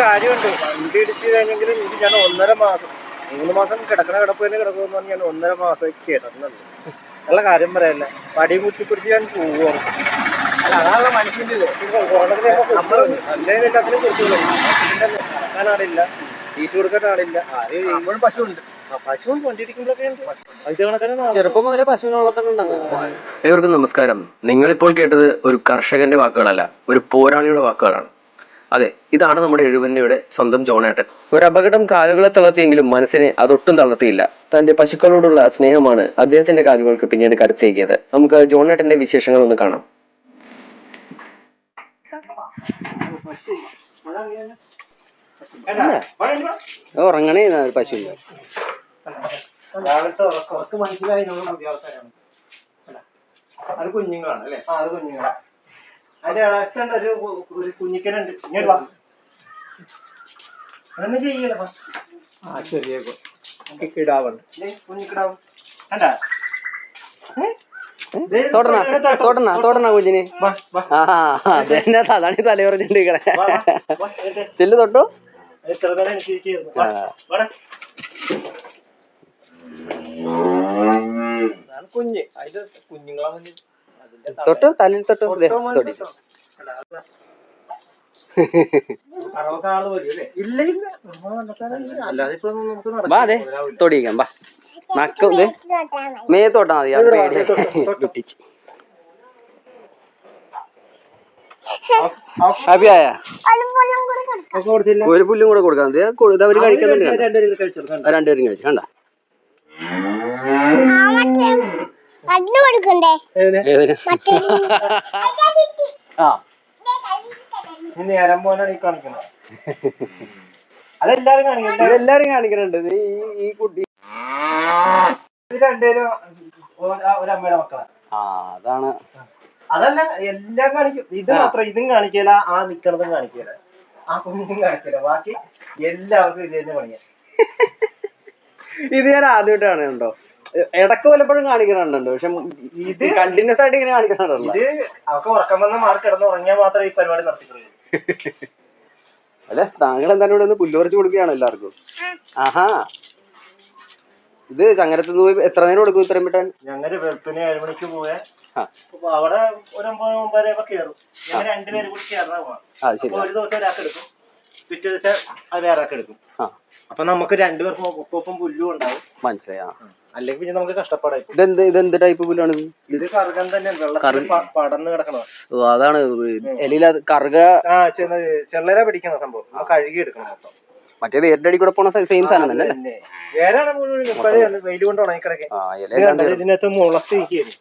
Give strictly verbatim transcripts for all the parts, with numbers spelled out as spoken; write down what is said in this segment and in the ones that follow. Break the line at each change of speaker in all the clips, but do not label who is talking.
കാര്യമുണ്ട്. വണ്ടി ഇടിച്ച് കഴിഞ്ഞെങ്കിൽ എനിക്ക് ഞാൻ ഒന്നര മാസം മൂന്ന് മാസം കിടക്കണ കിടപ്പ് തന്നെ കിടക്കുമെന്ന് പറഞ്ഞ് ഞാൻ ഒന്നര മാസം കിടന്നുള്ളൂ. നല്ല കാര്യം പറയല്ല, പടി മുറ്റി പിടിച്ച് ഞാൻ പോവുകയാണ്. അല്ല അതാണല്ലോ മനുഷ്യൻ്റെ ഇത്. നമ്മൾ നല്ലതിന് എല്ലാത്തിനും കൊടുക്കുള്ളൂ. നടക്കാൻ ആളില്ല, തീറ്റ കൊടുക്കാൻ ആളില്ല. ആരും പശുവുണ്ട്, പശുവും വണ്ടി ഇടിക്കുമ്പോഴൊക്കെ ഉണ്ട്.
ചെറുപ്പം മുതലേ പശുവിനെ വളർത്തുന്നുണ്ടാകും. ഏവർക്കും നമസ്കാരം. നിങ്ങളിപ്പോൾ കേട്ടത് ഒരു കർഷകന്റെ വാക്കുകളല്ല, ഒരു പോരാളിയുടെ വാക്കുകളാണ്. അതെ, ഇതാണ് നമ്മുടെ എഴുപന്നയുടെ സ്വന്തം ജോണേട്ടൻ. ഒരു അപകടം കാലുകളെ തളർത്തിയെങ്കിലും മനസ്സിനെ അതൊട്ടും തളർത്തിയില്ല. തന്റെ പശുക്കളോടുള്ള സ്നേഹമാണ് അദ്ദേഹത്തിന്റെ കാലുകൾക്ക് പിന്നീട് കരുത്തേക്കിയത്. നമുക്ക് ജോണേട്ടന്റെ വിശേഷങ്ങൾ ഒന്ന് കാണാം. ഉറങ്ങണേ പശുവിന്റെ
രാവിലത്തെ ഉറക്കം മനസ്സിലായി. നമ്മൾ പുതിയ ആൾക്കാരാണ്. അത് കുഞ്ഞുങ്ങളാണ് അല്ലേ? ആ, അത് കുഞ്ഞുങ്ങളാണ്. അതിന്റെ ഇടത്തുണ്ട് ഒരു ഒരു കുഞ്ഞിക്കനുണ്ട്. അതൊന്നും ചെയ്യല. ആ ചെറിയ കിടാവുണ്ട്, കുഞ്ഞിക്കിടാവും. കണ്ടാ
കുഞ്ഞിന് അതാണ് തല പറഞ്ഞിട്ടിരിക്കണേ. ചെല്ലു തൊട്ടോ
ഇത്ര നേരം അനുസരിക്കുന്നു. കുഞ്ഞ് അതിന്റെ കുഞ്ഞുങ്ങളെ മുന്നിൽ
തൊട്ടോ തലയിൽ തൊട്ടോ
ആള് വരും അല്ലേ? ഇല്ല ഇല്ല, അല്ലാതെ ഇപ്പൊ നമുക്ക്
അതെ തൊടിയിക്കാം. ബാ നക്ക മേത്തോട്ടാ മതി. ഹാപ്പിയായ ഒരു പുല്ലും കൂടെ കൊടുക്കാൻ മതി. അവര് കഴിക്കുന്നുണ്ട്. രണ്ടുപേരും കഴിച്ചു കണ്ട.
നേരം പോലാണ് ഈ കാണിക്കുന്നത്. അതെല്ലാരും കാണിക്കും,
എല്ലാരും കാണിക്കുന്നുണ്ട്. ഈ കുട്ടി
രണ്ടുപേരും ഒരമ്മയുടെ മക്കളാ.
ആ അതാണ്.
അതല്ല, എല്ലാം കാണിക്കും. ഇത് മാത്രം ഇതും കാണിക്കല, ആ നിക്കണതും കാണിക്കല, ആ കുഞ്ഞും കാണിക്കല. ബാക്കി എല്ലാവർക്കും ഇത് തന്നെ പണിയാ.
ഇത് ഞാൻ ആദ്യമായിട്ടാണ് കണ്ടോ. ഇടക്ക് വല്ലപ്പോഴും കാണിക്കണുണ്ടോ, പക്ഷെ ഇത് കണ്ടിന്യൂസ് ആയിട്ട് ഇങ്ങനെ കാണിക്കണുണ്ടോ.
ഇത് അവർക്ക് ഉറക്കം വന്ന മാർക്ക് കിടന്ന് ഉറങ്ങിയാൽ മാത്രമേ ഈ പരിപാടി നടത്തിക്കുള്ളൂ.
അല്ലെ, താങ്കൾ എന്തായാലും ഇവിടെ ഒന്ന് പുല്ലുപറിച്ച് കൊടുക്കുകയാണോ എല്ലാവർക്കും? ആഹാ, ഇത് ചങ്ങരത്തുനിന്ന് പോയി എത്ര നേരം കൊടുക്കും ഇത്രയും വിട്ടാൻ?
ഞങ്ങള് വെളുപ്പിന് ഏഴ് മണിക്ക് പോയാൽ അവിടെ ഒരു ഒമ്പത് ഒമ്പതര കയറും. ഞങ്ങൾ രണ്ടുപേരും കൂടി ചേർന്നാ പോവാം. ഒരു ദിവസം ഒരാൾക്ക് എടുക്കും, പിറ്റേ ദിവസം അത് വേറെ ആൾക്ക് എടുക്കും. അപ്പൊ നമുക്ക് രണ്ടുപേർക്കും ഒപ്പം പുല്ലും ഉണ്ടാവും.
മനസ്സിലായി.
അല്ലെങ്കിൽ പിന്നെ നമുക്ക് കഷ്ടപ്പാടായി.
ഇതെന്ത് ഇതെന്ത് ടൈപ്പ് പുല്ലാണ്?
ഇത് കറുകൻ തന്നെയാണ്, വെള്ളത്തിൽ പടന്ന് കിടക്കണത്.
ഓ അതാണ് എലിയില കറുക. ആ
ചെള്ളര പിടിക്കുന്ന സംഭവം നമ്മൾ കഴുകി എടുക്കണം മൊത്തം.
മറ്റേ വേരുടെ അടി കൂടെ പോണ സെയിം സാധനം തന്നെ.
വേരാണ് മുഴുവൻ വെയിൽ കൊണ്ട് ഉണങ്ങി കിടക്കേ. ഇതിനകത്ത് മുളച്ച് നിൽക്കുകയാണ്.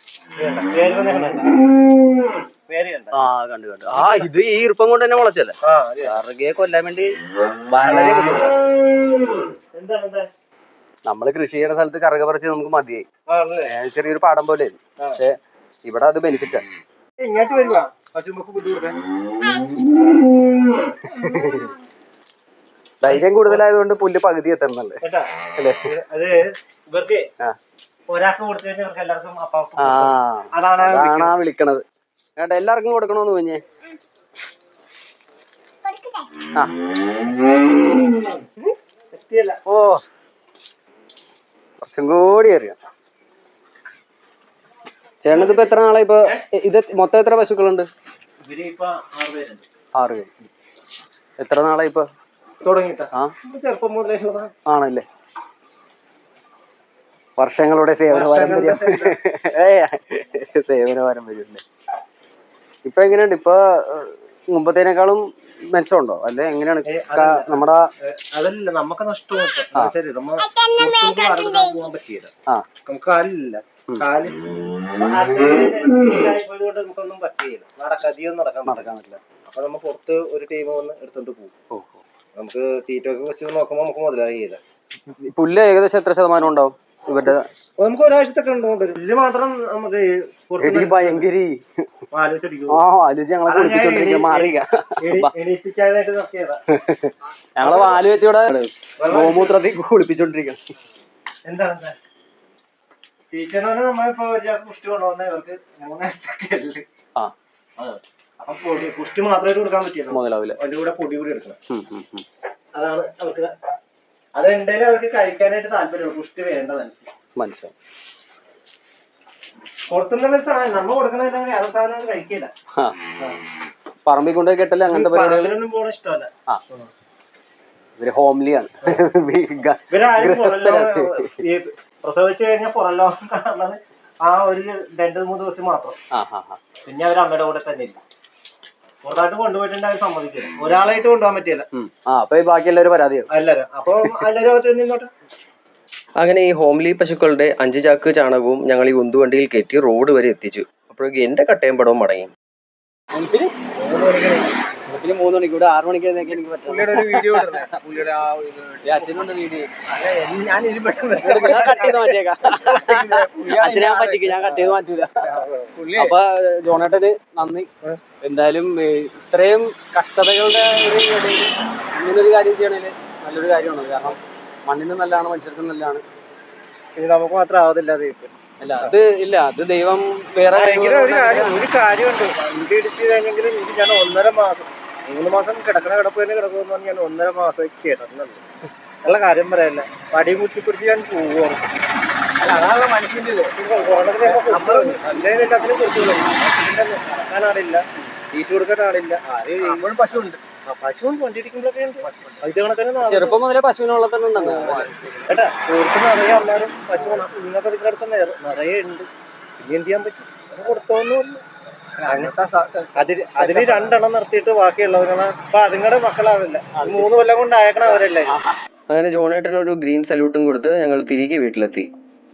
ആ കണ്ടു കണ്ടു. ആ ഇത് ഈ ഈർപ്പം കൊണ്ട് തന്നെ മുളച്ചല്ലേ. കറുകയെ കൊല്ലാൻ വേണ്ടി വളരെ
എന്താണ്
നമ്മള് കൃഷി ചെയ്യുന്ന സ്ഥലത്ത് കറുക പറിച്ച് നമുക്ക് മതിയായി. ചെറിയൊരു പാടം പോലെ. പക്ഷെ ഇവിടെ അത് ബെനിഫിറ്റ് ആണ്.
ഇങ്ങോട്ട് വരുക പശുമ്പക്ക് പുല്ല് കൊടുക്കാൻ.
ധൈര്യം കൂടുതലായതുകൊണ്ട് പുല്ല് പകുതി എത്തണല്ലേ.
അത് ഇവർക്ക് ഒരാൾക്ക് കൊടുത്തു കഴിഞ്ഞാൽ ഇവർക്ക് എല്ലാവർക്കും
അതാണ് ആ വിളിക്കണത്. കേട്ടോ, എല്ലാവർക്കും കൊടുക്കണോന്ന് കുഞ്ഞേ. ഓ കുറച്ചും കൂടി അറിയാം. ചേട്ടനത് ഇപ്പൊ എത്ര നാളെ ഇപ്പൊ ഇത് മൊത്തം എത്ര പശുക്കളുണ്ട്? ആറ് പേര്. എത്ര നാളെ ഇപ്പൊ
തുടങ്ങിട്ട? ചെറുപ്പം മുതലേ
ആണല്ലേ. വർഷങ്ങളുടെ സേവന പാരമ്പര്യം. സേവന പാരമ്പര്യം ഉണ്ട്. ഇപ്പൊ എങ്ങനെയുണ്ട്? ഇപ്പൊ മുമ്പത്തേനേക്കാളും മെച്ചമുണ്ടോ അല്ലെ എങ്ങനെയാണ് നമ്മുടെ?
അതല്ല, നമുക്ക് നഷ്ടം. ശരി, നമ്മ പോകാൻ പറ്റിയില്ല. നമുക്ക് കാലില്ല, കാല് കൊണ്ട് നമുക്കൊന്നും പറ്റിയില്ല. നടക്കധികം നടക്കാൻ നടക്കാൻ പറ്റില്ല. അപ്പൊ നമ്മ പുറത്ത് ഒരു ടീം വന്ന് എടുത്തോണ്ട് പോകും. നമുക്ക് തീറ്റ ഒക്കെ വെച്ച് നോക്കുമ്പോ നമുക്ക് മുതലാകില്ല.
പുല്ല് ഏകദേശം എത്ര ശതമാനം ഉണ്ടാവും ഇവരുടെ?
നമുക്ക് ഒരാഴ്ചത്തൊക്കെ ഉണ്ടാവും. പുല്ല് മാത്രം നമുക്ക്
ഭയങ്കര ഞങ്ങള് വാല് വെച്ചിവിടെ ഗോമൂത്രത്തിൽ കുളിപ്പിച്ചോണ്ടിരിക്കണം.
എന്താണ് തീറ്റ നമ്മളിപ്പോ പുഷ്ടി കൊണ്ടുവന്ന ഇവർക്ക് മൂന്നാഴ്ച അപ്പൊ പൊടി പുഷ്ടി മാത്രമായിട്ട് കൊടുക്കാൻ പറ്റില്ല,
മുതലാവില്ല.
അതിന്റെ കൂടെ പൊടി കൂടി എടുക്കണം. അതാണ് അവർക്ക് അത് ഉണ്ടെങ്കിൽ അവർക്ക് കഴിക്കാനായിട്ട് താല്പര്യമുള്ളൂ, പുഷ്ടി വേണ്ടതനുസരിച്ച്.
മനസ്സിലായി.
പുറത്തുനിന്നുള്ള സാധനം നമ്മ കൊടുക്കണ വേറെ സാധനം കഴിക്കില്ല.
പറമ്പിൽ കൊണ്ടുപോയി കെട്ടല്ലേ അങ്ങനത്തെ പരിപാടികളൊന്നും
പോണ ഇഷ്ടമല്ല.
ആ ഇവര് ഹോംലിയാണ്.
ഇവരാരും പ്രസവിച്ചു കഴിഞ്ഞാൽ പുറല്ലോ കാണുന്നത് ആ ഒരു രണ്ടു മൂന്ന് ദിവസം മാത്രം. പിന്നെ അവർ അമ്മയുടെ കൂടെ തന്നെ ഇല്ല. പുറത്തായിട്ട് കൊണ്ടുപോയിട്ടുണ്ട് അവർ സമ്മതിക്കില്ല, ഒരാളായിട്ട് കൊണ്ടുപോകാൻ പറ്റില്ല.
ബാക്കി എല്ലാവരും പരാതിയാണ്
എല്ലാരും. അപ്പൊ എല്ലാവരും നിന്നോട്ടെ.
അങ്ങനെ ഈ ഹോംലി പശുക്കളുടെ അഞ്ച് ചാക്ക് ചാണകവും ഞങ്ങൾ ഈ ഉന്തുവണ്ടിയിൽ കയറ്റി റോഡ് വരെ എത്തിച്ചു. അപ്പോഴേക്കും എന്റെ കട്ടയും പടവും മടങ്ങി.
മൂന്ന് മണിക്കൂടെ ആറു മണിക്ക് എനിക്ക് പറ്റും.
വീഡിയോ
അച്ഛനുണ്ട് വീഡിയോ.
ഞാൻ
അച്ഛനെ ഞാൻ പറ്റിക്കും, ഞാൻ കട്ട് ചെയ്ത് മാറ്റൂല. അപ്പൊ ജോണേട്ടന് നന്ദി. എന്തായാലും ഇത്രയും കഷ്ടതകളുടെ ഒരു ഇടയിൽ ഇങ്ങനൊരു കാര്യം ചെയ്യണേല് നല്ലൊരു കാര്യമാണ്. കാരണം മണ്ണിന് നല്ലതാണ്, മനുഷ്യർക്കും നല്ലതാണ്.
ഇത് നമുക്ക് മാത്രം ആവതില്ല.
അല്ല അത് ഇല്ല, അത് ദൈവം വേറെ
ഒരു കാര്യമുണ്ട്. വണ്ടി ഇടിച്ചു കഴിഞ്ഞെങ്കിൽ എനിക്ക് ഞാൻ ഒന്നര മാസം മൂന്ന് മാസം കിടക്കണ കിടപ്പ് തന്നെ കിടക്കുമെന്ന് പറഞ്ഞ് ഞാൻ ഒന്നര മാസം കേട്ടിട്ടുള്ളൂ. നല്ല കാര്യം പറയല്ല, പടി മുറ്റി പിടിച്ച് ഞാൻ പോവുകയാണ്. അല്ല അതാണല്ലോ മനുഷ്യൻ്റെ അതിന് കൊടുത്തുള്ളൂ. നടക്കാൻ ആളില്ല, തീറ്റ കൊടുക്കാൻ ആളില്ല. ആരും പശു ഉണ്ട്, പശുവും കൊണ്ടിരിക്കുമ്പോഴൊക്കെ ഉണ്ട്. ഇത് കണക്കിന്
ചെറുപ്പം മുതലേ പശുവിനുള്ള തന്നെ ഉണ്ടെന്ന്
കേട്ടാ. തീർച്ച നിറയെ എല്ലാവരും പശു നിങ്ങൾക്ക് അതിന്റെ അടുത്ത് നിറയെ ഉണ്ട്. ഇനി എന്ത് ചെയ്യാൻ പറ്റും, അത് കൊടുത്തോന്നുമില്ല. അതില് അതില് രണ്ടെണ്ണം നിർത്തിയിട്ട് ബാക്കിയുള്ളവരാണ് അപ്പൊ അതുങ്ങളുടെ മക്കളാവില്ല. മൂന്ന് കൊല്ലം കൊണ്ട് അയക്കണ അവരല്ലേ.
അങ്ങനെ ജോണേട്ടൻ ഒരു ഗ്രീൻ സല്യൂട്ടും കൊടുത്ത് ഞങ്ങൾ തിരികെ വീട്ടിലെത്തി.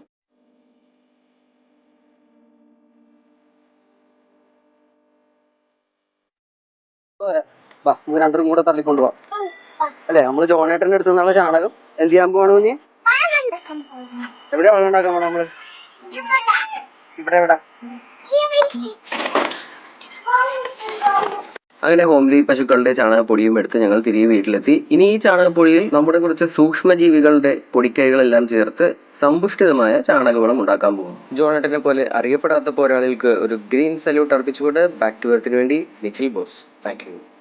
രണ്ടും കൂടെ തള്ളിക്കൊണ്ടുപോവാം അല്ലെ. നമ്മള് ജോണേട്ടന്റെ അടുത്ത് നിന്നുള്ള ചാണകം എന്ത് ചെയ്യാൻ പോവാണ് കുഞ്ഞ്? എവിടെ വെള്ളം ഉണ്ടാക്കാൻ പോണ നമ്മള്?
ഇവിടെ ഇവിടെ
അങ്ങനെ ഹോംലി പശുക്കളുടെ ചാണകപ്പൊടിയും എടുത്ത് ഞങ്ങൾ തിരികെ വീട്ടിലെത്തി. ഇനി ഈ ചാണകപ്പൊടിയിൽ നമ്മുടെ കുറച്ച് സൂക്ഷ്മജീവികളുടെ പൊടിക്കൈകളെല്ലാം ചേർത്ത് സമ്പുഷ്ടിതമായ ചാണകവളം ഉണ്ടാക്കാൻ പോകും. ജോണേട്ടനെ പോലെ അറിയപ്പെടാത്ത പോരാളികൾക്ക് ഒരു ഗ്രീൻ സല്യൂട്ട് അർപ്പിച്ചുകൊണ്ട് ബാക്ക് ടു എർത്തിന് വേണ്ടി നിഖിൽ ബോസ്. Thank you.